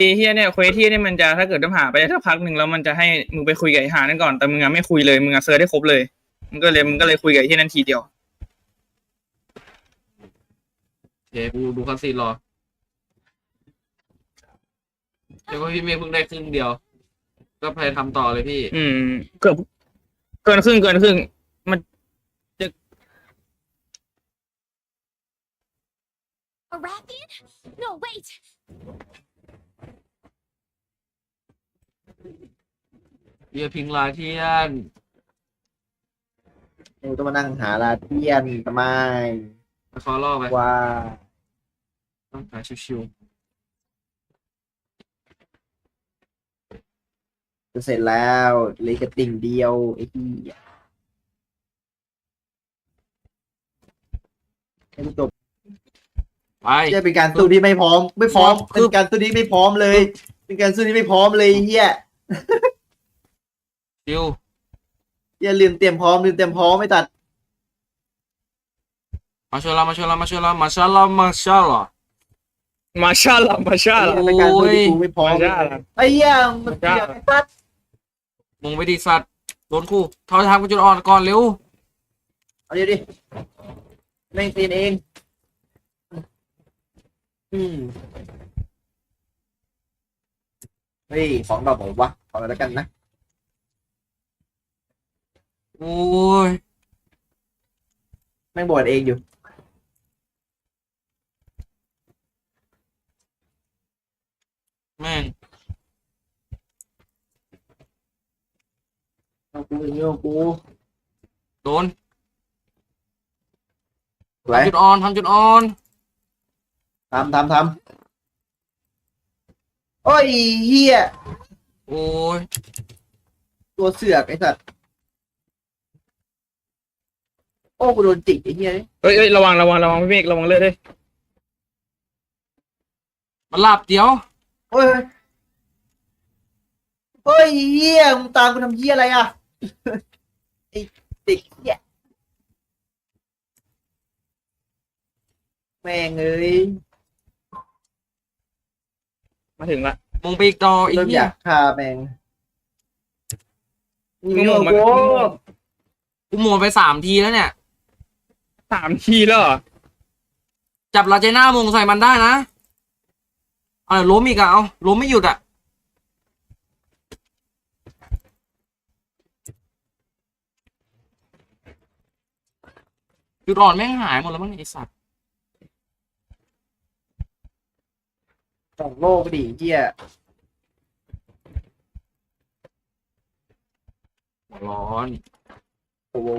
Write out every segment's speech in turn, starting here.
เฮียเนี่ยเควสที่เนี่ยมันจะถ้าเกิดต้องหาไปสักพักหนึ่งแล้วมันจะให้มึงไปคุยกับไอ้หานั่นก่อนแต่มึงอะไม่คุยเลยมึงอะเซิร์ชได้ครบเลยมึงก็เลยคุยกับไอ้ที่นั่นทีเดียวเดี๋ยวกูดูคัสซีนรอเดี๋ยวพี่เมย์เพิ่งได้ครึ่งเดียวก็พยายามทำต่อเลยพี่เกือบเกินครึ่งมันจะ Arathian? No, wait! เบียร์พิงลาเทียนกูต้องมานั่งหาลาเทียนทำไมมาขอรอบไปว่าต้องหาชิวจะเสร็จแล้วเหลยกระติ่งเดียวไอ้ที่ให้กูจบๆไปจะเป็นการสู้ที่ไม่พร้อมเป็นการสู้ที่ไม่พร้อมเลยเป็นการสู้ที่ไม่พร้อมเลยเฮียชิวอย่าลืมเตรียมพร้อมไม่ตัดมาชาลามาชาเป็นการสู้ที่กูไม่พร้อมไอ้เหี้ยมันเกี่ยวกับตัดมงไปดีสัตว์โดนคู่ทอยทางกูจุดอ่อนก่อนเร็วเอาดิแม่งตีนเองเฮ้ยของดอกบอกวะขอแล้วกันนะโอ้ยแม่งบวชเองอยู่แม่งกูโดนทำจุดอ่อนทโอ้ยเฮียโอ้ยตัวเสือกไอ้สัตว์โอ้กูโดนจิกไอ้เฮียเอ้ยระวังพี่เมฆระวังเลือดด้วยมันหลับเดี๋ยวโอ้ยเฮียมึงตามกูทำเฮียอะไรอ่ะไอ้เด็กเฮียแม่งเอ้ยมาถึงละมงไปอีกต่ออีกเนี่ยอยากฆ่าแม่งมึงหมดกูหมดไป3 ทีแล้วเนี่ย 3 ทีแล้วจับลาเจน่ามงใส่มันได้นะล้มอีกอ่ะเอาล้มไม่หยุดอ่ะจุดอ่อนแม่งหายหมดแล้วมั้งไอสัตว์ส่งโลกดิเฮียร้อนโอ้โห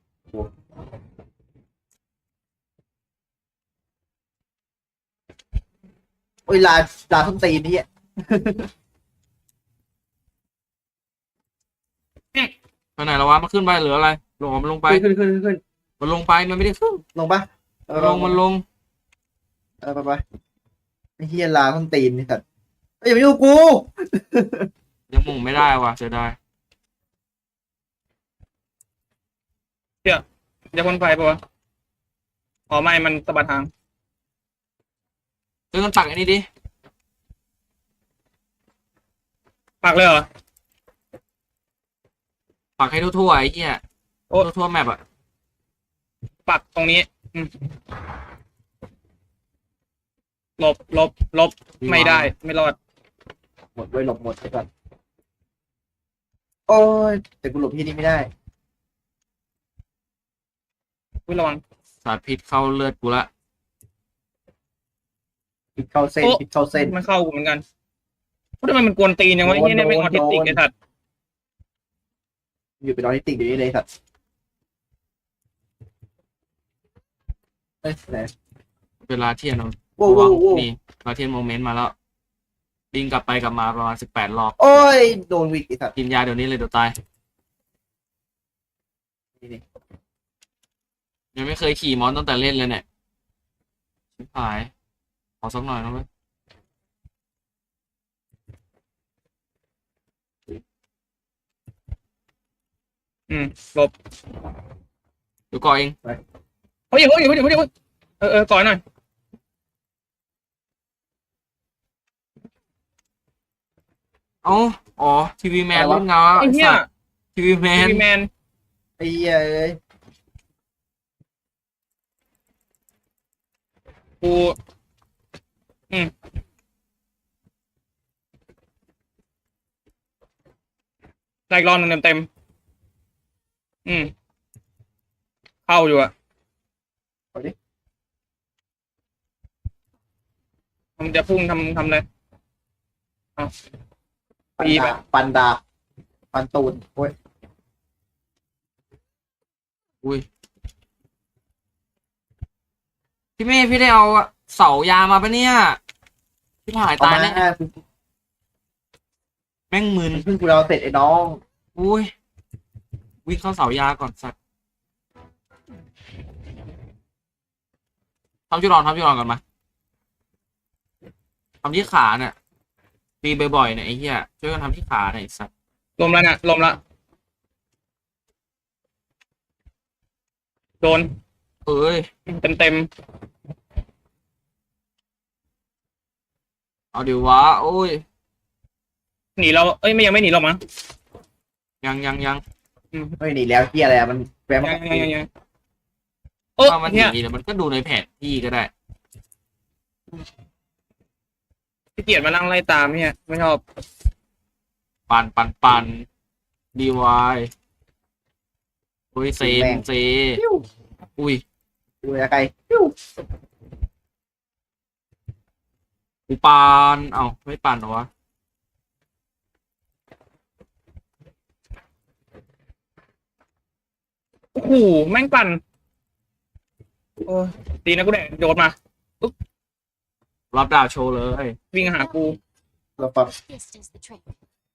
โอ้ยลาส้นตีนนี่ไปไหนแล้ววะมาขึ้นไปหรืออะไรลงมันลงไปขึ้นมันลงไปมันไม่ได้ขึ้นลงปะมันลงไปไอ้เฮียลาส้นตีนนี่สัตว์อย่ามายุ่งกูยังมงไม่ได้ว่ะเสียดายเดี๋ยวคนไฟปะวะอ๋อไม่มันสะบัดทางเรื่องตักอันนี้ดิปักเลยเหรอปักให้ทั่วๆไอ้เหี้ยทั่วแมปอะปักตรงนี้ลบไม่ได้ไม่รอดหมดด้วยหลบหมดไปก่อนโอ้ยแต่กูหลบที่นี่ไม่ได้ระวังสารพิษเข้าเลือดกูละพิษเข้าเส้นมันเข้ากูเหมือนกันเพราะทำไมมันกวนตีนอย่างวะนี่เนี่ยไม่ออทิสติกไอ้สัตว์อยู่เป็นออทิสติกอยู่นี่เลยสัตว์ไหนเวลาเทียนเรานี่ลาเทียนโมเมนต์มาแล้วบินกลับไปกลับมาประมาณ18 รอบโอ้ยโดนวิกไอ้สัตว์กินยาเดี๋ยวนี้เลยเดี๋ยวตายยังไม่เคยขี่มอนตั้งแต่เล่นเลยเนี่ยชิบหายขอสักหน่อยนะเว้ยลบเดี๋ยวก่อเองเฮ้ยก่อนหน่อยเอ้าอ๋อทีวีแมนอะไรวะเล่นเงาไอ้เหี้ยทีวีแมนพี่แมนไอ้เหี้ยเอ้ยกูอืมได้อีกรอบหนึงเต็มๆเข้าอยู่อะเอาดิมันจะพุ่งทำอะไรเอาปันปีไปดาปันดาปันตูนโอ้ยอุ้ยพี่เมย์พี่ได้เอาเสายามาปะเนี่ยพี่หายเอาตายมาแน่แม่งมึนเพิ่งกูเราเสร็จไอ้น้องอุ้ยวิ่งเข้าเสายาก่อนสัตว์ทำจุดอ่อนก่อนมาทำที่ขาเนี่ยตีบ่อยๆเนี่ยไอ้เหี้ยช่วยกันทำที่ขาหน่อยไอ้สัตว์ลมแล้วเนี่ยลมละโดนเอ้ยเต็มเอาดิวะโอ้ยหนีเราเอ้ยไม่ยังไม่หนีเรามั้งยังไม่หนีแล้วเหี้ยอะไรอะมันแวะมายังโอ้ถ้ามันหเนี่ยนีแต่มันก็ดูในแผนที่ก็ได้พี่เกียรติมานั่งไล่ตามเนี่ยไม่ชอบปันดีวายโอ้ยเซเซปิ้วอุ้ยดูอะไรไกลปิ้วกูปาน เอ้าไม่ปานเหรอวะโอ้โหแม่งปั่นโอ้ยตีนะกูแดดโดดมารับดาบโชว์เลยวิ่งหากูเราปรับ This is the trick.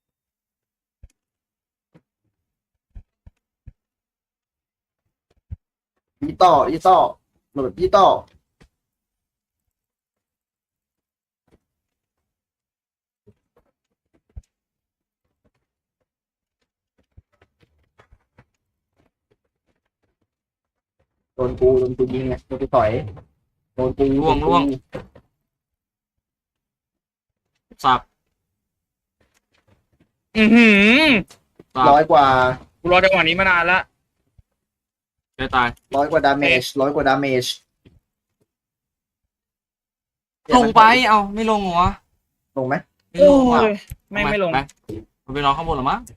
ยี่ต่อโหลดยี่ต่อโดนกูยิงไงโดนกูต่อยโดนกูล่วง สับอือหือสับร้อยกว่ากูรอจังหวะนี้มานานละจะตายร้อยกว่าดาเมจลงไป เอ้าไม่ลงเหรอวะลงไหมไม่โอ้ลงว่ะยไม่ลงไปมันไปนอนข้างบนเหรอมั้ง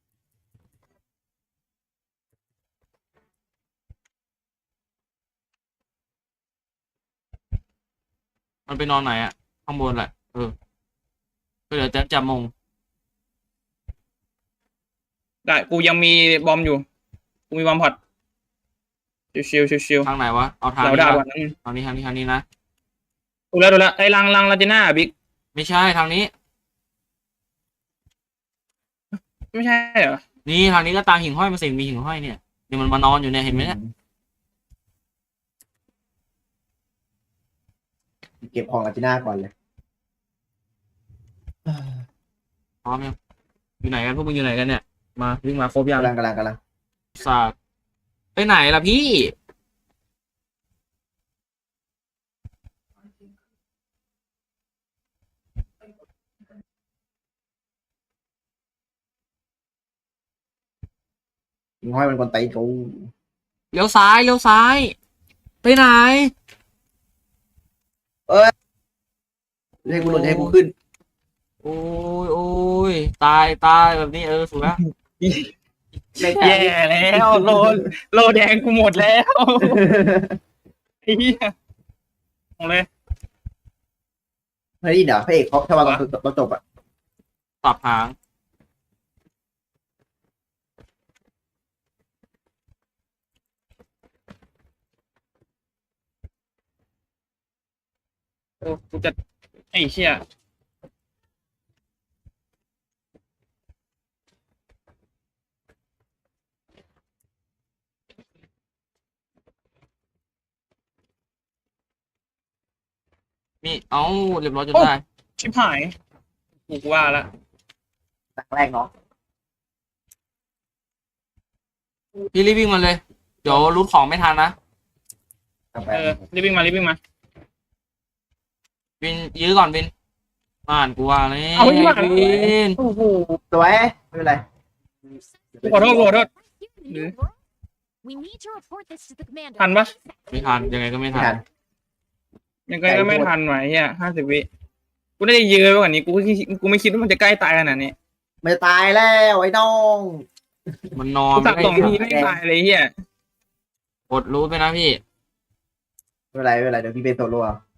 มันไปนอนไหนอะข้างบนแหละก็เดี๋ยวจะจับมงได้กูยังมีบอมอยู่กูมีบอมพอดชิวทางไหนวะ เอาๆทางเรานี้ด่าปะวันนั้นทางนี้นะดูแล้วไอ้ลังลาจิน่าบิ๊กไม่ใช่ทางนี้ไม่ใช่เหรอนี่ทางนี้ก็ตามหิ่งห้อยมาสิมีหิ่งห้อยเนี่ยเดี๋ยวมันมานอนอยู่เนี่ยเห็นไหมเนี่ยเก็บของอาจิน่าก่อนเลยพร้อมยังอยู่ไหนกันพวกมึงอยู่ไหนกันเนี่ยมาวิ่งมาครบยังกำลังสาดไปไหนล่ะพี่ยิงห้อยมันคนไตกูเลี้ยวซ้ายไปไหนให้กูหลุดให้กูขึ้นโอ้ยตายแบบนี้ถูกแล้วแย่แล้วโลแดงกูหมดแล้วไอ้เหี้ยหมดเลยเฮ้ยเดี๋ยวพระเอกเขาถ้าว่าตอนจบอ่ะสับหางโอ้กูจะไอ้เชี่ยนี่เรียบร้อยจนได้ชิบหายกูว่าละหนักแรกเนาะพี่รีบวิ่งมาเลย เดี๋ยวรูทของไม่ทันนะกลับไปรีบวิ่งมาวินยื้อก่อนวินผ่านกูว่าเลยเอาไม่ผ่านวินโอ้โหสวยไม่เป็นไรขอโทษขอโทษ Here in the new world, we need to report this to the commander. ทันปะไม่ทันยังไงก็ไม่ไม่ทัทันนยังไงก็ไม่ทันไหวเฮีย50 วิกูได้เยอะกว่านี้กูไม่คิดว่ามันจะใกล้ตายขนาดนี้ไม่ตายแล้วไอ้น้องมันนอนกูสับไม่สองได้ทีไม่ตายเลยเฮียกดรู้ไปนะพี่ไม่เป็นไรเดี๋ยวพี่เป็นโซโล่เอา